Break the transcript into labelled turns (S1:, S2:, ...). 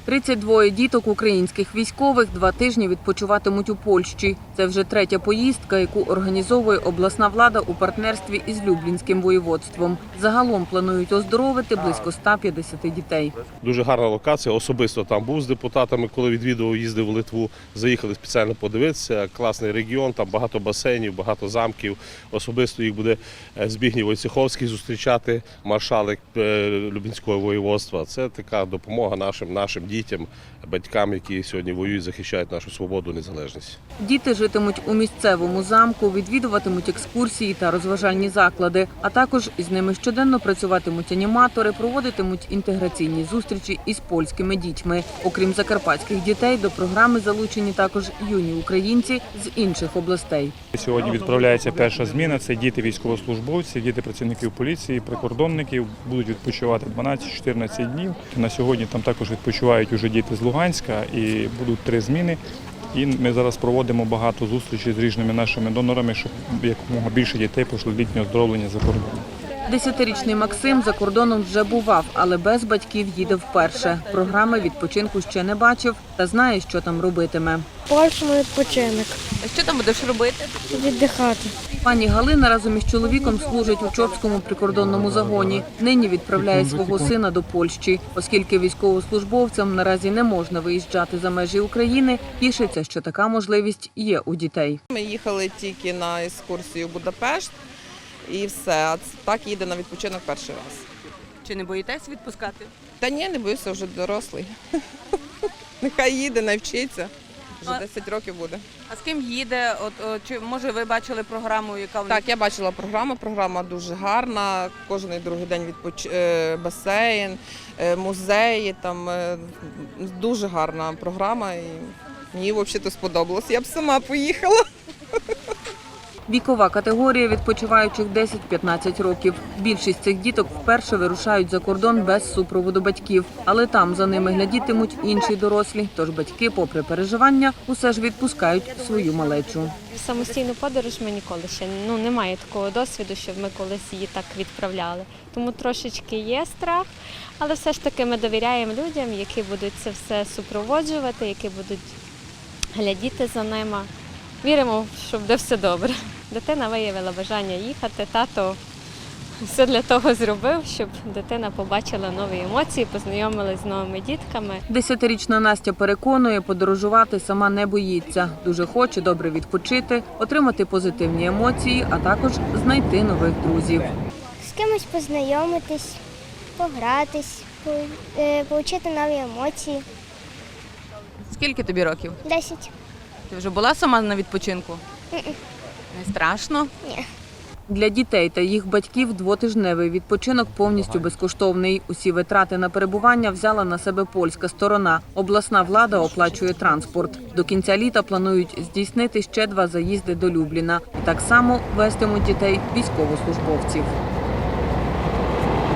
S1: 32 діток українських військових 2 тижні відпочиватимуть у Польщі. Це вже третя поїздка, яку організовує обласна влада у партнерстві із Люблінським воєводством. Загалом планують оздоровити близько 150 дітей.
S2: Дуже гарна локація. Особисто там був з депутатами, коли відвідував, їздив в Литву. Заїхали спеціально подивитися. Класний регіон, там багато басейнів, багато замків. Особисто їх буде Збігній Войцеховський зустрічати, маршалик Люблінського воєводства. Це така допомога нашим дітям, батькам, які сьогодні воюють, захищають нашу свободу, незалежність.
S1: Діти житимуть у місцевому замку, відвідуватимуть екскурсії та розважальні заклади, а також із ними щоденно працюватимуть аніматори, проводитимуть інтеграційні зустрічі із польськими дітьми. Окрім закарпатських дітей, до програми залучені також юні українці з інших областей.
S3: Сьогодні відправляється перша зміна. Це діти військовослужбовців, діти працівників поліції, прикордонників. Будуть відпочивати 12-14 днів. На сьогодні там також відпочивають уже діти з Луганська і будуть 3 зміни. І ми зараз проводимо багато зустрічей з різними нашими донорами, щоб якомога більше дітей пройшли літнє оздоровлення за кордоном.
S1: 10-річний Максим за кордоном вже бував, але без батьків їде вперше. Програми відпочинку ще не бачив та знає, що там робитиме.
S4: Польща відпочинок.
S1: Що там будеш робити?
S4: Віддихати.
S1: Пані Галина разом із чоловіком служить у Чопському прикордонному загоні. Нині відправляє свого сина до Польщі. Оскільки військовослужбовцям наразі не можна виїжджати за межі України, тішиться, що така можливість є у дітей.
S5: Ми їхали тільки на екскурсію в Будапешт і все. А так їде на відпочинок перший раз.
S1: Чи не боїтесь відпускати?
S5: Та ні, не боюся, вже дорослий. Нехай їде, навчиться. Вже 10 років буде.
S1: А з ким їде? Чи може ви бачили програму, яка
S5: Так, я бачила програму. Програма дуже гарна. Кожен другий день басейн, музеї. Там дуже гарна програма. І мені взагалі сподобалось. Я б сама поїхала.
S1: Вікова категорія відпочиваючих 10-15 років. Більшість цих діток вперше вирушають за кордон без супроводу батьків. Але там за ними глядітимуть інші дорослі. Тож батьки, попри переживання, усе ж відпускають свою малечу.
S4: Самостійну подорож ми ніколи ще немає такого досвіду, щоб ми колись її так відправляли. Тому трошечки є страх, але все ж таки ми довіряємо людям, які будуть це все супроводжувати, які будуть глядіти за ними. Віримо, що буде все добре. Дитина виявила бажання їхати, тато все для того зробив, щоб дитина побачила нові емоції, познайомилась з новими дітками.
S1: 10-річна Настя переконує, подорожувати сама не боїться. Дуже хоче добре відпочити, отримати позитивні емоції, а також знайти нових друзів.
S6: З кимось познайомитись, погратись, отримати нові емоції.
S1: Скільки тобі років?
S6: 10.
S1: Ти вже була сама на відпочинку? Не страшно?
S6: Ні.
S1: Для дітей та їх батьків 2-тижневий відпочинок повністю безкоштовний. Усі витрати на перебування взяла на себе польська сторона. Обласна влада оплачує транспорт. До кінця літа планують здійснити ще 2 заїзди до Любліна. І так само вестимуть дітей військовослужбовців.